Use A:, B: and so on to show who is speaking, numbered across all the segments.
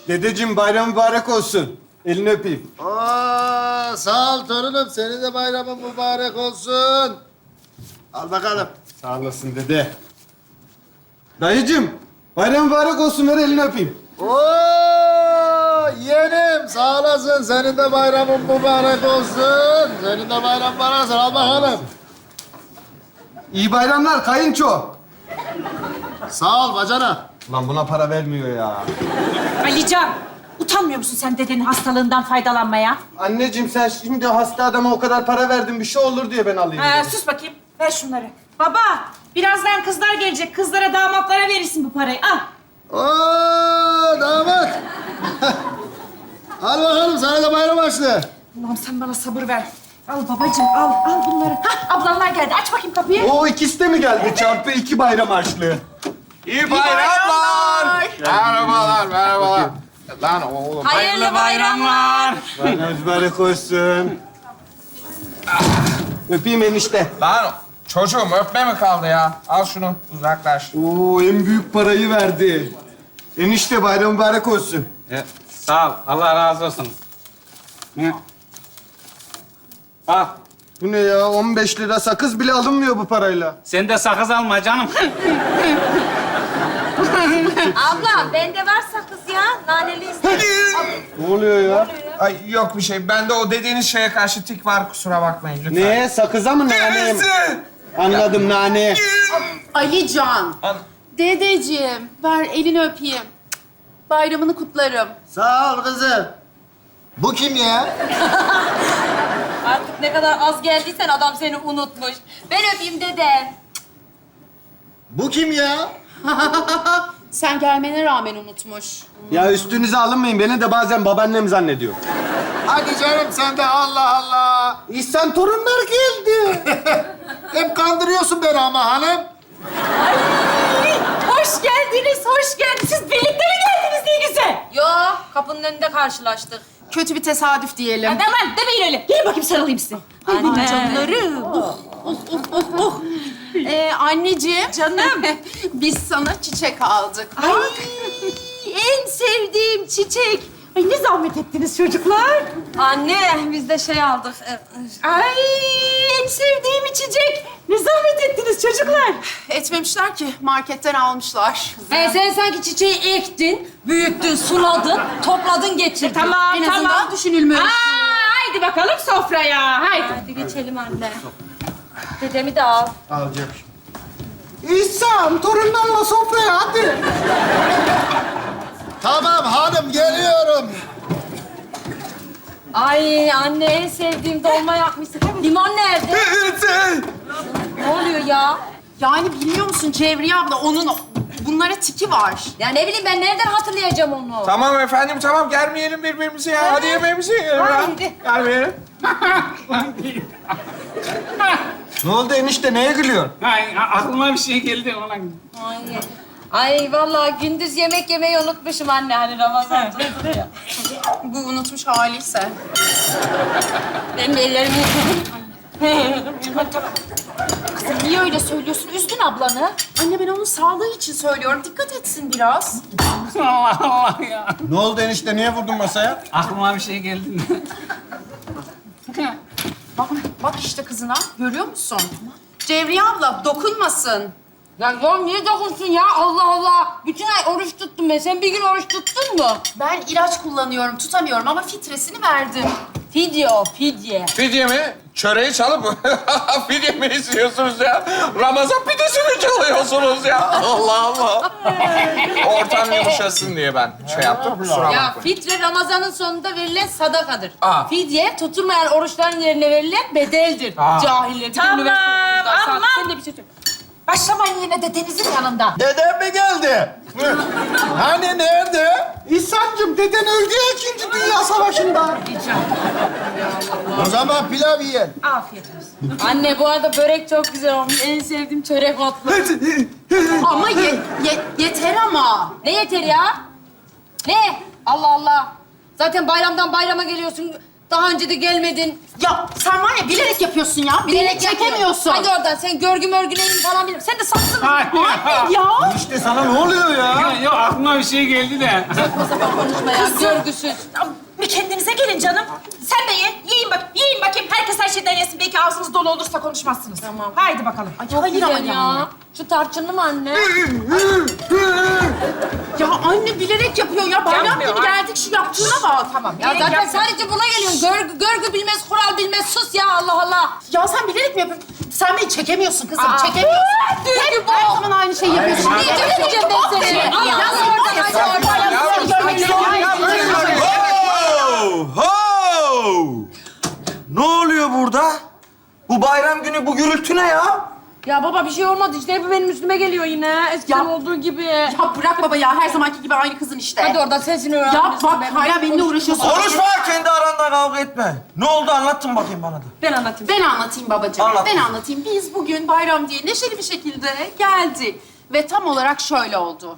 A: Dedeciğim bayram mübarek olsun. Elini öpeyim.
B: Aa, sağ ol torunum. Senin de bayramın mübarek olsun. Al bakalım.
A: Sağ olasın dede. Dayıcığım bayram mübarek olsun, ver elini öpeyim.
B: Oo, yeğenim sağ olasın. Senin de bayramın mübarek olsun. Senin de bayram mübarek olsun. Al bakalım.
A: İyi bayramlar kayınço.
B: Sağ ol bacana.
A: Lan buna para vermiyor ya.
C: Alican, utanmıyor musun sen dedenin hastalığından faydalanmaya?
A: Anneciğim sen şimdi hasta adama o kadar para verdin, bir şey olur diye ben alayım. dedim.
C: Sus bakayım, ver şunları. Baba, birazdan kızlar gelecek. Kızlara, damatlara verirsin bu parayı. Al.
B: Oo, damat. Al bakalım sana da bayram açtı.
C: Allah'ım sen bana sabır ver. Al babacığım, al bunları. Hah, ablamlar geldi. Aç bakayım kapıyı.
A: O ikisi de mi geldi? Çarpı 2 bayram harçlığı.
D: İyi bayramlar. Merhabalar, merhabalar. Lan oğlum.
C: Hayırlı bayramlar.
A: Bayram mübarek olsun. Öpeyim enişte.
D: Lan çocuğum öpme mi kaldı ya? Al şunu uzaklaş.
A: Oo, en büyük parayı verdi. Enişte bayram mübarek olsun.
E: Sağ ol. Allah razı olsun. Hı. Al.
A: Bu ne ya? 15 lira sakız bile alınmıyor bu parayla.
E: Sen de sakız alma canım.
F: Abla bende var sakız ya. Naneli istedim.
A: Ne oluyor ya?
D: Ay yok bir şey. Bende o dediğiniz şeye karşı tik var. Kusura bakmayın lütfen.
A: Ne? Sakıza mı naneye mi? Anladım, nane.
G: Alican. Dedeciğim, ver elini öpeyim. Bayramını kutlarım.
B: Sağ ol kızım. Bu kim ya?
F: Artık ne kadar az geldiysen adam seni unutmuş. Ben öpeyim dedem.
B: Bu kim ya?
G: Sen gelmene rağmen unutmuş.
A: Ya üstünüze alınmayın. Beni de bazen babaannem zannediyor.
B: Hadi canım sen de Allah Allah.
A: İhsan torunlar geldi.
B: Hep kandırıyorsun beni ama hanım.
C: Hoş geldiniz, hoş geldiniz. Siz birlikte mi geldiniz ne güzel?
F: Yo, kapının önünde karşılaştık.
G: Kötü bir tesadüf diyelim.
C: Aman demeyin öyle. Gelin bakayım sarılayım size. Ay benim canlarım.
G: Anneciğim. Canım. Biz sana çiçek aldık.
C: Ay en sevdiğim çiçek. Ay ne zahmet ettiniz çocuklar.
F: Anne, biz de şey aldık.
C: Ay en sevdiğim içecek. Ne zahmet ettiniz çocuklar.
G: Etmemişler ki, marketten almışlar.
F: Sen sanki çiçeği ektin, büyüttün, suladın, topladın, getirdin.
C: Tamam,
G: En azından
C: tamam.
G: düşünülmüş.
C: Haydi bakalım sofraya. Haydi.
F: Hadi geçelim anne. Dedemi de al.
B: Alacak.
A: İhsan torunlarla sofraya hadi.
B: Tamam hanım geliyorum.
F: Ay anne, en sevdiğim dolma yapmışsın. Limon nerede? Ne oluyor ya?
G: Yani biliyor musun Cevriye abla, onun bunlara tiki var.
F: Ya ne bileyim ben nereden hatırlayacağım onu?
D: Tamam efendim tamam germeyelim birbirimizi ya. Hadi yemeğimizi yiyelim ya.
F: Haydi.
D: Germeyelim.
A: Ne oldu enişte? Neye gülüyorsun?
E: Ay, aklıma bir şey geldi ona.
F: Ay vallahi gündüz yemek yemeyi unutmuşum anne, hani Ramazan.
G: Bu unutmuş haliyse.
F: Benim ellerimi
G: Kızım niye öyle söylüyorsun? Üzdün ablanı. Anne ben onun sağlığı için söylüyorum. Dikkat etsin biraz.
E: Allah Allah ya.
A: Ne oldu enişte? Niye vurdun masaya?
E: Aklıma bir şey geldi.
G: Bak işte kızına. Görüyor musun? Cevriye abla dokunmasın.
F: Ya niye dokunsun ya? Allah Allah. Bütün ay oruç tuttum ben. Sen bir gün oruç tuttun mu?
G: Ben ilaç kullanıyorum, tutamıyorum ama filtresini verdim.
F: Fidye o, fidye.
D: Fidye mi? Çöreği çalıp fidye mi istiyorsunuz ya? Ramazan pidesi mi çalıyorsunuz ya? Allah Allah. Ortam yumuşasın diye ben şey yaptım. Kusura
F: Ya
D: bakmayın.
F: fitre Ramazan'ın sonunda verilen sadakadır.
D: Aa.
F: Fidye tutulmayan oruçların yerine verilen bedeldir.
D: Aa.
F: Cahiller.
C: Tamam, aman.
F: Sen de bir şey söyle.
C: Başlamayın yine dedenizin yanında.
B: Dedem mi geldi? Hani nerede?
A: İhsan'cığım deden öldü ya 2. Dünya Savaşı'nda.
B: O zaman pilav yiyin.
C: Afiyet olsun.
F: Anne bu arada börek çok güzel olmuş. En sevdiğim çörek otlu.
G: Ama yeter ama.
F: Ne yeter ya? Ne? Allah Allah. Zaten bayramdan bayrama geliyorsun. Daha önce de gelmedin.
G: Ya sen var ya bilerek yapıyorsun ya. Bilerek çekemiyorsun.
F: Hadi oradan sen görgü mörgü neyin falan bilmiyorum. Sen de satsın.
G: Ya.
A: Enişte sana ne oluyor ya?
E: Yok aklıma bir şey geldi de.
F: O zaman konuşma ya. Görgüsüz.
C: Bir kendinize gelin canım. Sen de ye. Yiyin bakayım. Herkes her şeyden yesin. Belki ağzınız dolu olursa konuşmazsınız.
F: Tamam.
C: Haydi bakalım.
F: Çok güzel ya. Şu tarçınlı mı anne?
G: Ya anne bilerek yapıyor ya. Bayram
C: Yapmıyor,
G: gibi
C: ha.
G: geldik şu yaptığına bak. Tamam.
F: Ya zaten sadece buna geliyorsun. Görgü bilmez, kural bilmez. Sus ya Allah Allah.
G: Ya sen bilerek mi yapıyorsun? Sen beni çekemiyorsun kızım. Çekemiyorsun.
F: Dünkü bu.
G: Her zaman aynı şeyi yapıyorsun.
F: Ne çekeceğim ben seni? Yalnız oradan hadi oradan. Seni görmek istiyorum.
A: Ho! Ho! Ne oluyor burada? Bu bayram günü bu gürültü ne ya?
F: Ya baba bir şey olmadı işte. Hep benim üstüme geliyor yine. Eskiden
G: Ya.
F: olduğu gibi.
G: Ya bırak baba ya. Her zamanki gibi aynı kızın işte.
F: Hadi oradan sensin öğren.
G: Ya bak hala benimle uğraşıyorsun.
A: Konuşma, kendi aranda kavga etme. Ne oldu anlattın bakayım bana da.
F: Ben anlatayım.
G: Ben anlatayım babacığım.
A: Anlat.
G: Ben anlatayım. Biz bugün bayram diye neşeli bir şekilde geldik. Ve tam olarak şöyle oldu.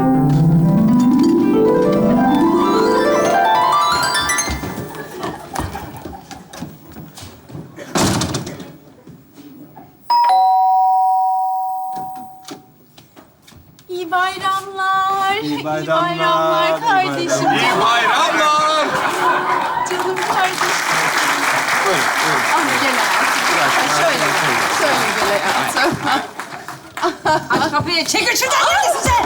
G: İyi bayramlar.
A: İyi bayramlar, iyi
G: kardeşim.
D: İyi bayramlar.
G: Canım kardeşim. Ama gel hayatım. Şöyle gel hayatım.
F: Aç kapıyı. Çekil şuradan. Neredesin sen?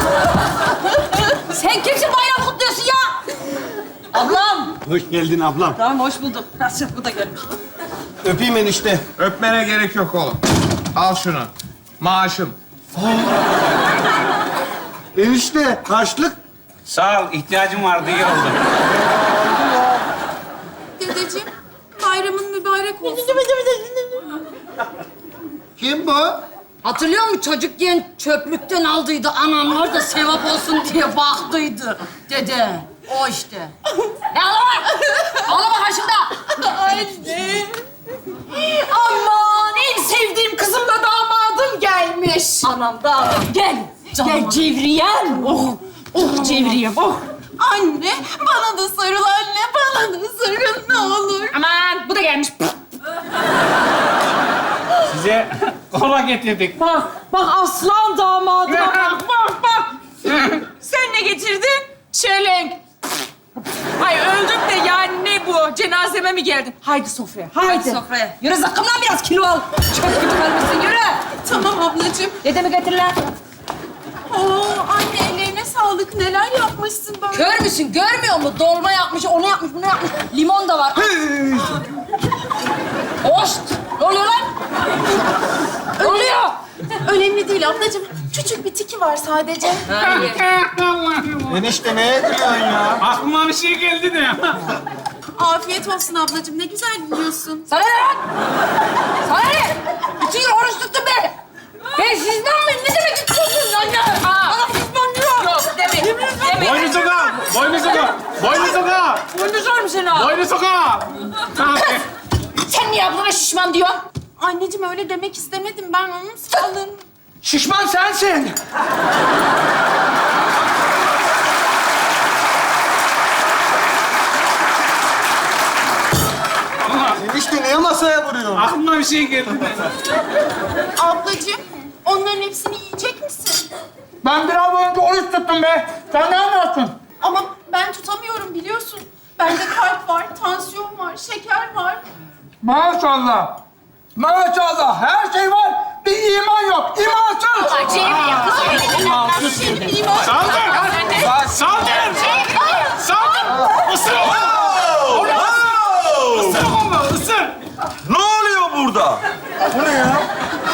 F: Sen kimsin bayram kutluyorsun ya? Ablam.
A: Hoş geldin ablam.
F: Tamam hoş bulduk. Nasıl bu da gelmiş.
A: Öpeyim enişte.
D: Öpmene gerek yok oğlum. Al şunu. Maaşım.
A: Enişte, harçlık.
E: Sağ ol, ihtiyacım vardı, iyi oldu.
G: Dedeciğim, bayramın mübarek olsun.
B: Kim bu?
F: Hatırlıyor musun çocukken çöplükten aldıydı anamlar da sevap olsun diye baktıydı dede. O işte. Ne ağlama? Ağlama karşımda.
G: Anne. Aman en sevdiğim kızımla damadım gelmiş.
F: Anam da gel. Gel Cevriyem.
C: Oh Cevriyem, oh.
G: Anne, bana da sarıl anne, bana da sarıl ne olur.
C: Aman bu da gelmiş.
E: Size kola getirdik.
C: Bak aslan damadıma bak. Sen ne getirdin? Çelenk. Ay öldüm de yani ne bu? Cenazeme mi geldin? Haydi sofraya, haydi.
F: Sofraya. Yürü zıkkımdan biraz kilo al. Çok gibi kalmışsın yürü.
G: Tamam ablacığım.
F: Dedemi getir lan.
G: Oo anne ellerine sağlık. Neler yapmışsın böyle.
F: Kör müsün? Görmüyor musun? Dolma yapmış, onu yapmış, bunu yapmış. Limon da var. Hoşt! Ne oluyor lan? Ne oluyor?
G: Önemli değil ablacığım. Küçük bir tiki var sadece.
A: Enişte neye gülüyorsun ya?
E: Aklıma bir şey geldi de.
G: Afiyet olsun ablacığım. Ne güzel yiyorsun.
F: Sana ne lan? Sana ne? Bütün gün oruç tuttum ben. Ben sizden miyim? Ne demek istiyorsunuz anne? Bana pişman diyor.
C: Yok deme.
E: Boynu soka! Boynu soka! Boynu soka!
F: Boynu sormuş seni ha.
E: Boynu soka!
F: Sen niye ablana şişman diyorsun?
G: Anneciğim öyle demek istemedim. Ben onun sağlığını...
A: Şişman sensin. Enişte niye masaya vuruyorsun?
E: Aklıma bir şey geldi de.
G: Ablacığım, onların hepsini yiyecek misin?
E: Ben biraz önce oruç tuttum be. Sen ne anlattın?
G: Ama ben tutamıyorum biliyorsun. Bende kalp var, tansiyon var, şeker var.
E: Maşallah. Maşallah. Her şey var. Bir iman yok. İmansız.
G: Benim o...
E: Saldır! Saldır! Saldır! Isır onu! Isır onu! Isır!
A: Ne oluyor burada? Bu ne ya?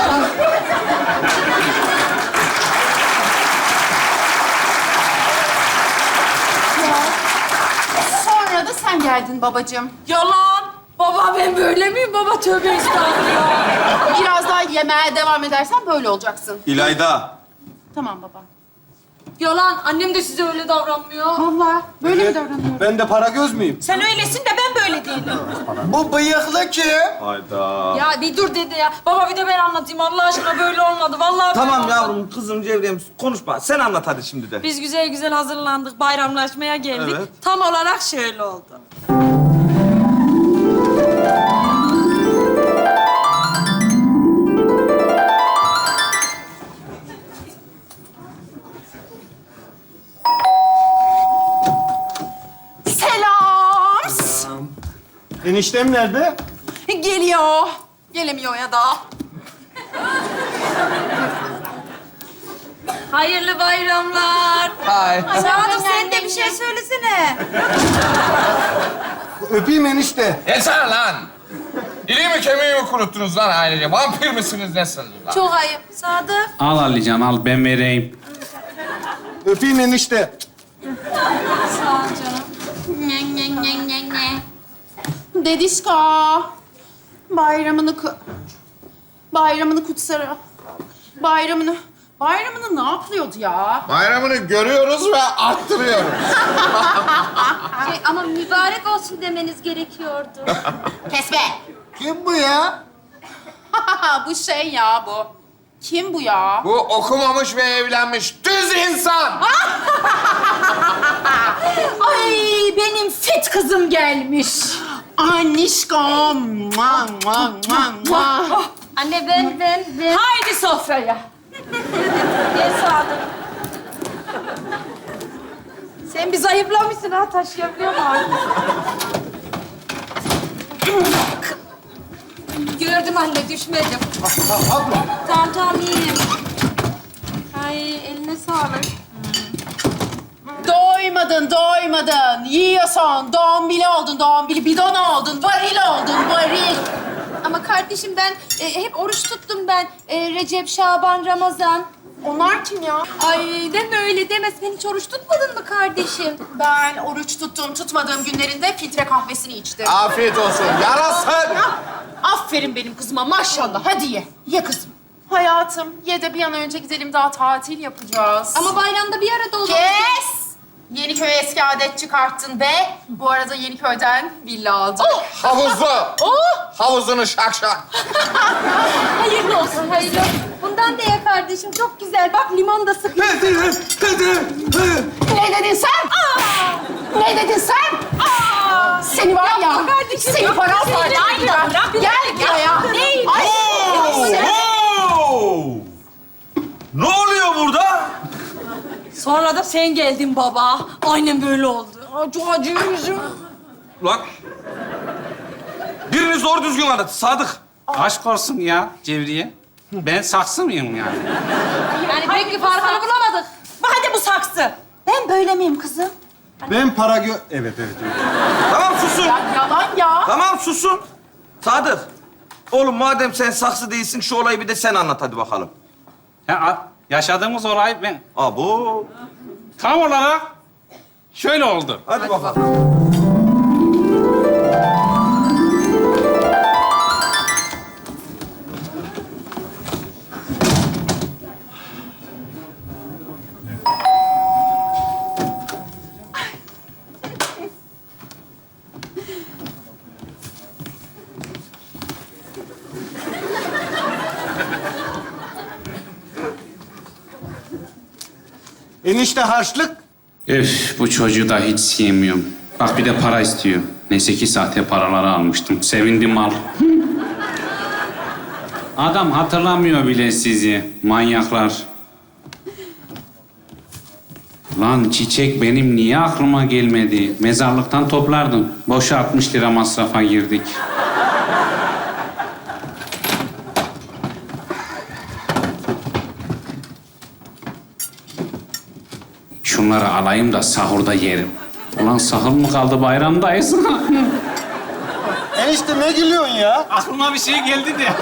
G: Sonra da sen geldin babacığım.
F: Yalan. Baba ben böyle miyim? Baba tövbe estağfurullah.
G: Biraz daha yemeğe devam edersen böyle olacaksın.
A: İlayda.
G: Tamam baba.
F: Yalan. Annem de size öyle davranmıyor.
G: Vallahi böyle mi davranıyor?
A: Ben de para göz müyüm?
C: Sen öylesin de ben böyle değilim.
A: Bu bıyıklı kim? Hayda.
F: Ya bir dur dede ya. Baba bir de ben anlatayım. Allah aşkına böyle olmadı. Vallahi böyle
H: Tamam
F: olmadı.
H: yavrum, kızım, Cevriyem konuşma. Sen anlat hadi şimdi de.
F: Biz güzel güzel hazırlandık. Bayramlaşmaya geldik.
H: Evet.
F: Tam olarak şöyle oldu.
I: Eniştem nerede?
G: Geliyor. Gelemiyor ya da.
F: Hayırlı bayramlar.
D: Hay.
G: Sadık sen de bir şey söylesene.
I: Öpeyim enişte.
D: Yeter lan! İliğimi kemiğimi kuruttunuz lan ailece. Vampir misiniz nesiniz lan?
G: Çok ayıp. Sadık.
J: Al Alican al ben vereyim.
I: Öpeyim enişte.
G: Sağ ol canım. Ne. Dedişka. Bayramını kutsara. Bayramını ne yapıyordu ya?
B: Bayramını görüyoruz ve arttırıyoruz.
F: Ama mübarek olsun demeniz gerekiyordu.
G: Kes be.
B: Kim bu ya?
G: Bu şey ya bu. Kim bu ya?
D: Bu okumamış ve evlenmiş düz insan.
C: Ay benim fit kızım gelmiş.
G: Anişkom.
F: Anne ben.
C: Haydi sofraya.
F: Gel Sadık.
G: Sen bir zayıflamışsın ha, taşıyabiliyor musun?
F: Gördüm anne, düşmedim. Tamam iyiyim. Ay eline sağlık.
G: Doymadın. Yiyorsun. Dombili oldun, bidon oldun, varil oldun, varil.
F: Ama kardeşim ben hep oruç tuttum ben. Recep, Şaban, Ramazan.
G: Onlar kim ya?
F: Ay deme öyle deme. Sen hiç oruç tutmadın mı kardeşim?
G: Ben oruç tutmadığım günlerinde filtre kahvesini içtim.
B: Afiyet olsun. Yarasın.
G: Aferin benim kızıma maşallah. Hadi ye. Ye kızım. Hayatım, ye de bir an önce gidelim, daha tatil yapacağız.
F: Ama bayramda bir arada olalım.
G: Kes! Yeniköy'e eski adet çıkarttın ve bu arada Yeniköy'den villa aldım.
D: Havuzlu.
G: Oh!
D: Havuzunu şak şak.
F: Hayırlı olsun, hayırlı olsun. Bundan da ye kardeşim. Çok güzel. Bak limon da sıkıyor.
G: Ne dedin sen? Ne dedin sen? Seni var ya, seni paramparça edeceğim. Gel buraya. Ay,
A: Oo! Ne oluyor burada?
C: Sonra da sen geldin baba. Aynen böyle oldu.
G: çok acıyor yüzüm.
A: Lan. Birini zor düzgün anlat. Sadık.
J: Aşk olsun ya Cevriye. Ben saksı mıyım yani?
F: Yani pek bir farkını bulamadık.
C: Hadi bu saksı.
G: Ben böyle miyim kızım?
I: Ben para Evet.
A: Tamam susun.
G: Yalan ya.
A: Tamam susun. Sadık. Oğlum madem sen saksı değilsin şu olayı bir de sen anlat hadi bakalım.
J: Yaşadığımız olay ben
A: Abo.
J: tam olarak şöyle oldu.
A: Hadi bakalım.
I: Enişte harçlık.
J: Öf bu çocuğu da hiç sevmiyorum. Bak bir de para istiyor. Neyse ki sahte paraları almıştım. Sevindim al. Adam hatırlamıyor bile sizi. Manyaklar. Lan çiçek benim niye aklıma gelmedi? Mezarlıktan toplardım. Boşa 60 lira masrafa girdik. Şunları alayım da sahurda yerim. Ulan sahur mu kaldı bayramdayız?
I: Enişte ne gülüyorsun ya?
J: Aklıma bir şey geldi de.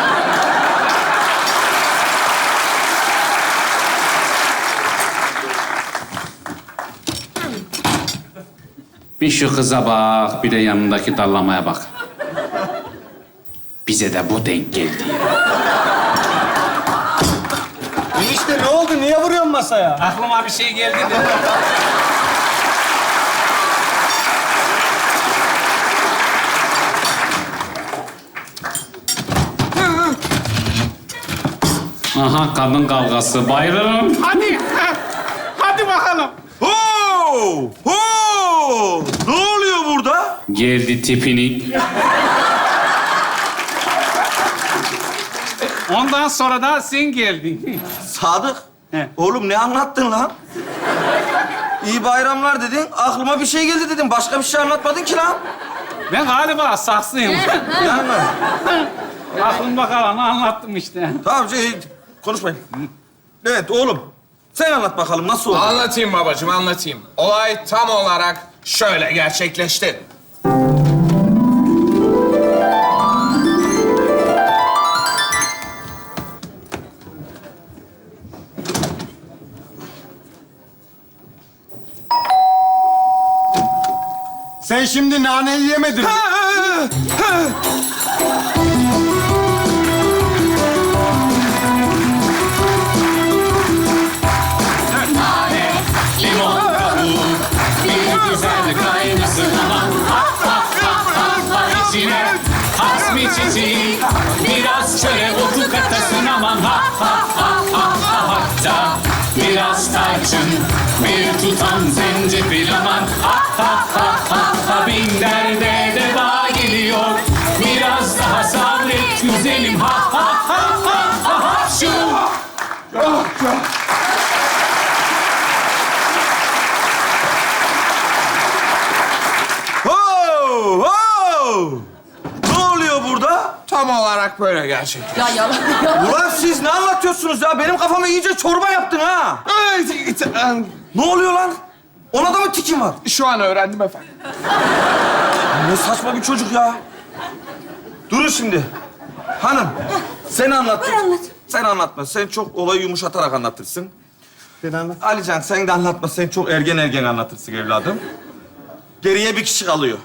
J: Bir şu kıza bak, bir de yanındaki dallamaya bak. Bize de bu denk geldi.
I: Enişte ne oldu? Niye vuruyorsun masaya?
J: Aklıma bir şey geldi de. Aha kadın kavgası. Bayılırım. Hadi. Hadi bakalım.
A: Ho! Ho! Ne oluyor burada?
J: Geldi tipini. Ondan sonra da sen geldin.
A: Sadık.
J: He.
A: Oğlum ne anlattın lan? İyi bayramlar dedin. Aklıma bir şey geldi dedin. Başka bir şey anlatmadın ki lan.
J: Ben galiba saksıyım.
A: Yani.
J: Aklımda kalanı anlattım işte.
A: Tamam konuşmayın. Evet oğlum. Sen anlat bakalım nasıl oldu?
D: Anlatayım babacığım, anlatayım. Olay tam olarak şöyle gerçekleşti.
I: Sen şimdi naneyi yemedin mi?
J: Limon kabuğu bir güzel kaynasın aman. Ha ha ha ha ha içine hasmi çiçeği biraz çöre otu katasın aman. Ha ha ha ha ha hatta biraz tarçın bir tutam zencefil aman. Ha ha ha ha ha bin derde deva geliyor. Biraz daha sabret güzelim. Ha ha ha ha ha ha şu.
A: Ho! Ho! Ne oluyor burada?
D: Tam olarak böyle gerçekleşti.
F: Ya yalan.
A: Ulan siz ne anlatıyorsunuz ya? Benim kafamı iyice çorba yaptın ha. Ne oluyor lan? Ona da mı tikin var?
D: Şu an öğrendim efendim.
A: Ne saçma bir çocuk ya. Durun şimdi. Hanım, sen anlat. Sen anlatma. Sen çok olayı yumuşatarak anlatırsın.
I: Ben anlat.
A: Alican sen de anlatma. Sen çok ergen anlatırsın evladım. Geriye bir kişi kalıyor.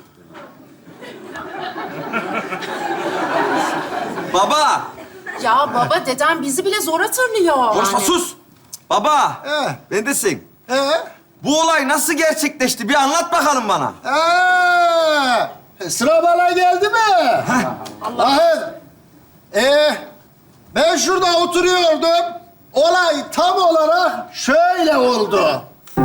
A: Baba!
G: Ya baba dedem bizi bile zor hatırlıyor.
A: Konuşma sus! Baba! Bendesin. Bu olay nasıl gerçekleşti? Bir anlat bakalım bana.
B: Sıra bana geldi mi? Allah. Ben şurada oturuyordum. Olay tam olarak şöyle oldu.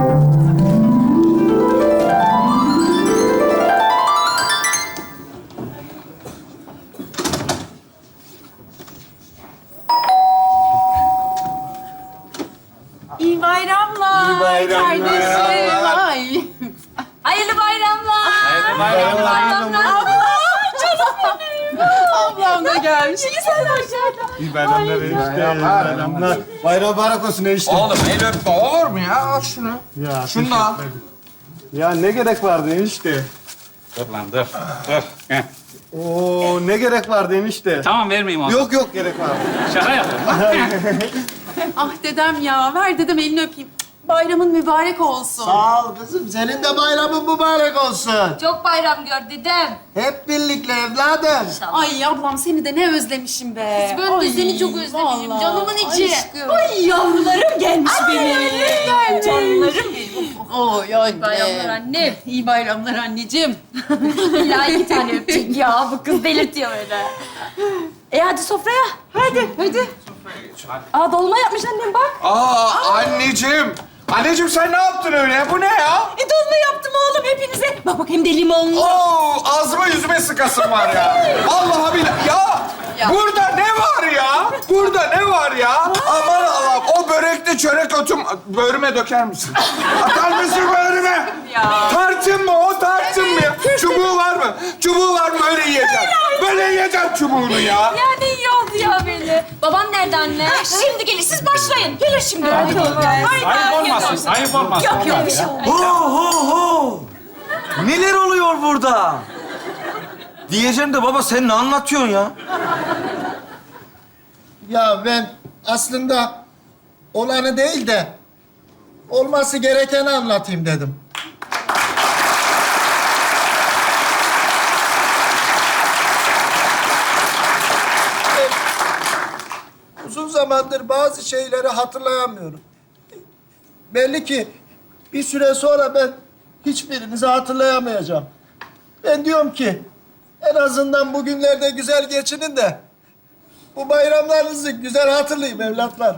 C: İyi bayramlar.
I: İyi bayramlar.
C: Kardeşim.
G: Ay.
C: Hayırlı bayramlar.
J: Hayırlı bayramlar.
C: Abla, canım benim. Ablam da gelmiş. İyi sen hoş geldin.
I: İyi bayramlar enişte. Bayramlar. Bayram mübarek olsun enişte.
D: Oğlum el öpme olur mu ya? Al şunu.
I: Ya,
D: Şunu da al.
I: Ya ne gerek vardı enişte?
J: Dur lan dur. Dur. Heh.
I: Oo ne gerek vardı enişte?
J: Tamam vermeyeyim onu.
I: Yok gerek vardı.
J: Şaka yapıyorum.
G: Ah dedem ya. Ver dedem elini öpeyim. Bayramın mübarek olsun.
B: Sağ ol kızım. Senin de bayramın mübarek olsun.
C: Çok bayram gör dedem.
B: Hep birlikte evladım.
G: Ay ablam seni de ne özlemişim be.
C: Ben de
G: Ay,
C: seni çok özlemişim,
G: vallahi.
C: canımın içi.
G: Aşkım.
C: Ay yavrularım gelmiş benim.
G: Canlarım benim. Oy oy
C: Bayramlar annem.
G: İyi bayramlar anneciğim.
C: İlla 2 tane öpecek ya. Bu kız delirtiyor öyle. Hadi sofraya. Hadi. Aa dolma yapmış annem bak.
D: Anneciğim. Anneciğim sen ne yaptın öyle? Bu ne ya?
C: Dolma yaptım oğlum hepinize. Bak hem de limonlu.
D: Oo, ağzıma yüzüme sıkasın var ya. Vallahi billahi. Ya, burada ne var ya? Burada ne var ya? Aman Allah'ım. O börekte çörek otum... Böğrüme döker misin? Atar mısın böğrüme?
C: Ya.
D: Tarçın mı? O tarçın mı ya? Çubuğu var mı? Çubuğu var mı? Böyle yiyeceğim. Böyle yiyeceğim çubuğunu ya.
C: Ya ne iyi oldu ya böyle. Babam nerede anne? Şimdi gelir siz başlayın. Gelir şimdi. Hadi
J: Ayıp olmasın. Ayıp olmasın.
C: Yok bir şey olmaz.
A: Ho! Neler oluyor burada? Diyeceğim de baba sen ne anlatıyorsun ya?
B: Ya ben aslında olanı değil de olması gerekeni anlatayım dedim. Uzun zamandır bazı şeyleri hatırlayamıyorum. Belli ki bir süre sonra ben hiçbirinizi hatırlayamayacağım. Ben diyorum ki en azından bugünlerde güzel geçinin de bu bayramlarınızı güzel hatırlayayım evlatlar.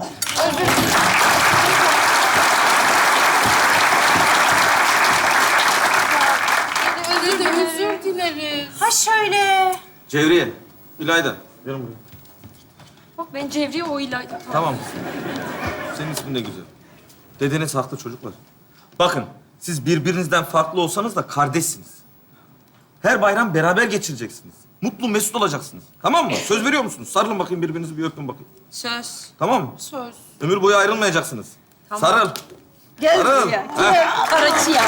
C: Özür dileriz. Ha şöyle.
A: Cevriye, İlayda. Gelin buraya.
C: Bak ben Cevriye o İlayda.
A: Tamam. Senin ismin de güzel. Dedeniz haklı çocuklar. Bakın, siz birbirinizden farklı olsanız da kardeşsiniz. Her bayram beraber geçireceksiniz. Mutlu, mesut olacaksınız. Tamam mı? Söz veriyor musunuz? Sarılın bakayım birbirinizi, bir öpün bakayım.
C: Söz.
A: Tamam mı?
C: Söz.
A: Ömür boyu ayrılmayacaksınız. Sarıl.
G: Gel
A: Sarıl.
G: buraya.
A: Heh.
G: Gel Karaçıya.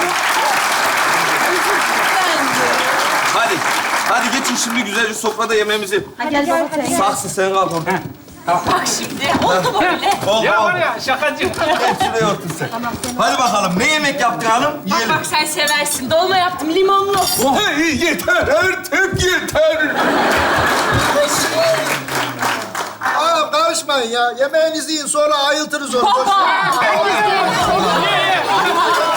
A: Hadi. Hadi geçin şimdi güzelce sofrada yemeğimizi.
G: Gel baba sen.
A: Saksı sen kalk orada.
C: Bak şimdi oldu böyle.
A: Oldu,
J: Ya var
A: oldu.
J: ya şakacı.
A: Geç şuraya otur sen. Hadi bakalım. Ne yemek yaptın hanım?
C: Bak
A: Yiyelim.
C: bak sen seversin. Dolma yaptım limonlu.
D: Hey, yeter artık yeter.
B: Aa, karışmayın ya. Yemeğinizi yiyin sonra ayıltırız onu. Boş ver.